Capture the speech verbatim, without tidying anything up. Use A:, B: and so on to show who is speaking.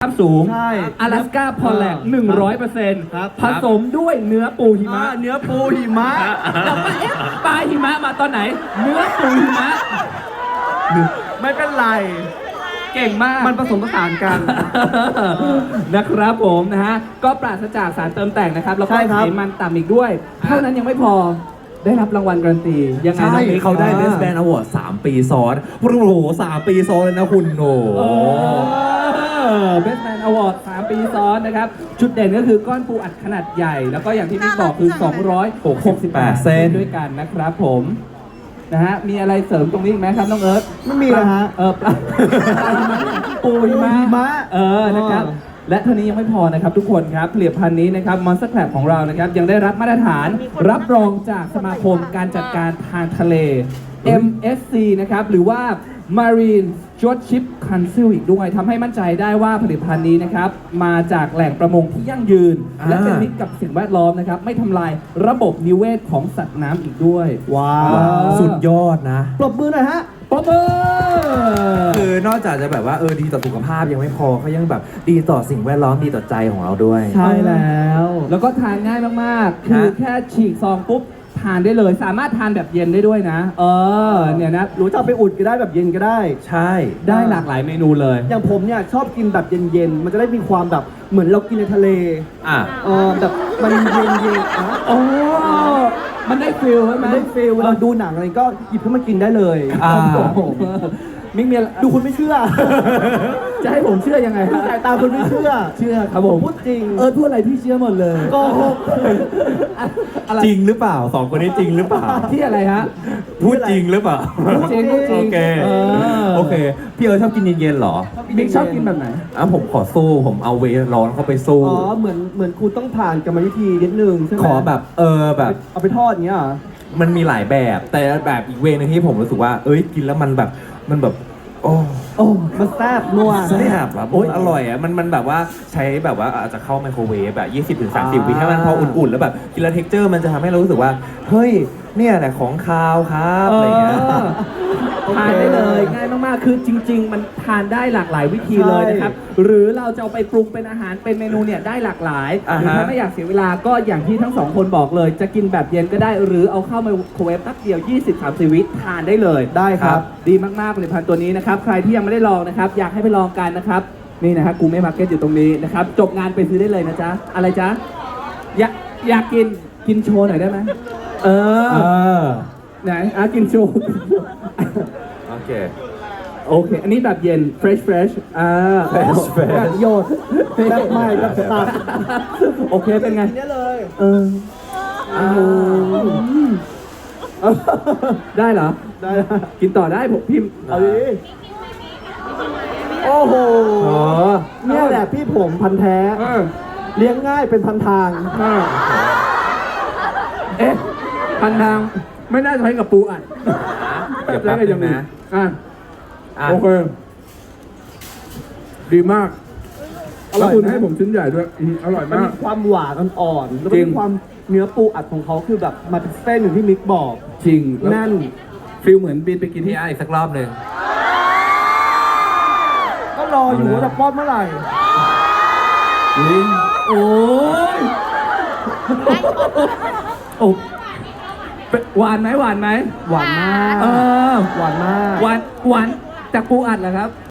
A: สูง
B: ใช่
A: 阿拉斯ก้าพอลแลกหนึ่งร้อยเปอร์เซ็นต์
B: ครับ
A: ผสมด้วยเนื้อปูหิมะ
B: อ่าเนื้อปูหิมะ
A: แต่ว่าเอ๊ะปลาหิมะมาตอนไหน เนื้อปูหิมะ
B: ไม่เป็นไร
A: เก่งมาก
B: มันผสมผสานกัน
A: นะครับผมนะฮะ ก็ปราศจากสารเติมแต่งนะครับ แล้วก็
B: ใช่ครั
A: ไข
B: บ
A: มันต่ำอีกด้วย เท่านั้นยังไม่พอได้รับรางวัลการันตียังไง
C: ใช่
A: น้องมิก
C: เขาได้ Best Band Award สามปีซ้อนโอ้โหสามปีซ้อนเลยนะคุณโอ้
A: โอ้เบสแมนอวอร์ดสามปีซ้อนนะครับ จุดเด่นก็คือก้อนปูอัดขนาดใหญ่ แล้วก็อย่างที่พี่บอกคือ สองร้อยหกสิบแปด เซนด้วยกันนะครับผมนะฮะมีอะไรเสริมตรงนี้อีกไหมครับน้องเอิร์ธ
B: ไม่มีนะฮะ
A: เออปลาปลาหิมะปูหิมะ
B: หิมะ
A: เออนะครับ
B: อ๋อ
A: และเท่านี้ยังไม่พอนะครับทุกคนครับผลิตภัณฑ์นี้นะครับ Monster Crab ของเรานะครับยังได้รับมาตรฐานรับรองจากสมาคมการจัดการทางทะเล เอ็ม เอส ซี นะครับหรือว่า Marine Stewardship Council อีกด้วยทำให้มั่นใจได้ว่าผลิตภัณฑ์นี้นะครับมาจากแหล่งประมงที่ยั่งยืน
C: อ่า
A: และเป็นมิตรกับสิ่งแวดล้อมนะครับไม่ทำลายระบบนิเวศของสัตว์น้ำอีกด้วย
B: ว้า
A: ว้าว
B: ว
C: สุดยอดนะ
B: ปรบมือหน่อยฮะ
A: ปรบมือ
C: คือนอกจากจะแบบว่าเออดีต่อสุขภาพยังไม่พอเขายังแบบดีต่อสิ่งแวดล้อมดีต่อใจของเราด้วย
B: ใช่แล้ว
A: แล้วก็ทานง่ายมากๆ คือ
C: ฮะ
A: แค่ฉีกซองปุ๊บทานได้เลย สามารถทานแบบเย็นได้ด้วยนะ เออ เนี่ยนะ
B: รู้จะเอาไปอุ่นก็ได้แบบเย็นก็ได้
C: ใช่
A: ได้หลากหลายเมนูเลย
B: อย่างผมเนี่ยชอบกินแบบเย็นๆ มันจะได้มีความแบบเหมือนเรากินในทะเล
C: อ่ะ
B: เออแบบมันเย็นๆอ่ะ
A: โอ้ มันได้ฟิลใช่ไหม
B: มันได้ฟีลเวลาดูหนังอะไรก็หยิบขึ้นมากินได้เลย
C: อ่า
A: โอ้โหมิกเมีย
B: ดูคุณไม่เชื่อ
A: จะให้ผมเชื่อยังไงฮะ
B: สายตาคุณไม่เชื่อ
A: เชื่อครับผม
B: พูดจริง
A: เออพูดอะไรพี่เชื่อหมดเลย
B: โกหก
A: อะไร
C: จริงหรือเปล่าสองคนนี้จริงหรือเปล่า
A: ที่อะไรฮะ
C: พูดจริงหรือเปล่า
A: พูดจริงพูดจริง
C: โอเค
A: เออ
C: โอเค พี่เอิร์ธชอบกินเย็นๆเหรอ
A: มิกชอบกินแบบไหน
C: อ่ะผมขอสู้ผมเอาเวร้อนเข้าไปสู้
B: อ๋อ เหมือนเหมือนคุณต้องผ่านกรรมวิธีนิดนึงใช่ไหม
C: ขอแบบเออแบบ
B: เอาไปทอดอย่างเงี้ยเหรอ
C: มันมีหลายแบบ แต่แบบอีกเวนึงที่ผมรู้สึกว่า เอ้ยกินแล้วมันแบบมันแบบ โอ้
B: โอ้ มันแซ่บนัว
C: แซ่บแบบโอ้ยอร่อยอ่ะมันมันแบบว่าใช้แบบว่าอาจจะเข้าไมโครเวฟแบบยี่สิบถึงสามสิบวิให้มันพออุ่นๆ แล้วแบบกินแล้วเท็กเจอร์มันจะทำให้เรารู้สึกว่า เฮ้ยเนี่ยแหละของคาวครับอะไรเงี้ย
A: เออทานได้เลยง่ายมากๆ คือจริง ๆ มันทานได้หลากหลายวิธีเลยนะครับ หรือเราจะเอาไปปรุงเป็นอาหารเป็นเมนูเนี่ยได้หลากหลาย
C: อ่า
A: หรือ
C: ฮะ
A: ถ้าไม่อยากเสียเวลาก็อย่างที่ทั้งสองคนบอกเลย จะกินแบบเย็นก็ได้ หรือเอาเข้าไมโครเวฟแป๊บเดียว ยี่สิบถึงสามสิบ วิทานได้เลย
B: ได้ครับ
A: ดีมากๆผลิตภัณฑ์ตัวนี้นะครับ ใครที่ยังไม่ได้ลองนะครับ อยากให้ไปลองกันนะครับ นี่นะฮะกูไม่มาร์เก็ตอยู่ตรงนี้นะครับ จบงานไปซื้อได้เลยนะจ๊ะ อะไรจ๊ะ อยากอยากกินกินโชว์หน่อยได้ไหมเออ
C: เออ
A: ไหนอ่ะกินโชว์
C: โอเค
A: โอเค อันนี้แบบเย็น fresh fresh อ่า
C: fresh fresh
B: แบบโยดแบบใหม่แบบสตัด
A: โอเค เป็นไง
B: กินได้เลย
A: เอออ้าวได้เหรอ
B: ได้แล้ว
A: กินต่อได้ผมพิมพ์
B: เอาดิโอ้โห
A: อ๋อ
B: เนี่ยแหละพี่ผมพันธุ์แท้
A: เออ
B: เลี้ยงง่ายเป็นพันทาง
A: เออเอ๊ะ พันทาง ไม่น่าจะใช้กับปูอัด
C: เดี๋ยวแป๊บนึงนะ
A: อ่ะ
C: อ่ะ
A: โอเค ดีมาก
B: อร่อย
A: แล้วคุณ
B: ไหม
A: ให้ผมชิ้นใหญ่ด้วยอืมอร่อย
B: มัน
A: มา
B: มี
A: ก
B: ความหวานอ่อนๆแล้วก็
A: จริง
B: มีความเนื้อปูอัดของเขาคือแบบมาเป็นเส้นอย่างที่มิกบอก
A: จริงแล้ว
B: แน่น
A: ฟิลเหมือนบินไปกิน
C: พี่
A: ที่
C: อาอีกสักรอบหนึ่ง
B: ก็รออยู่ว่าจะป้อนเมื่อไหร่
A: ลิ้นโอ้ยโอ้เป็นหวานไหมหวานไหม
B: หวานมาก
A: เออ
B: หวานมาก
A: หวานหวานจากปูอัดเหรอครับ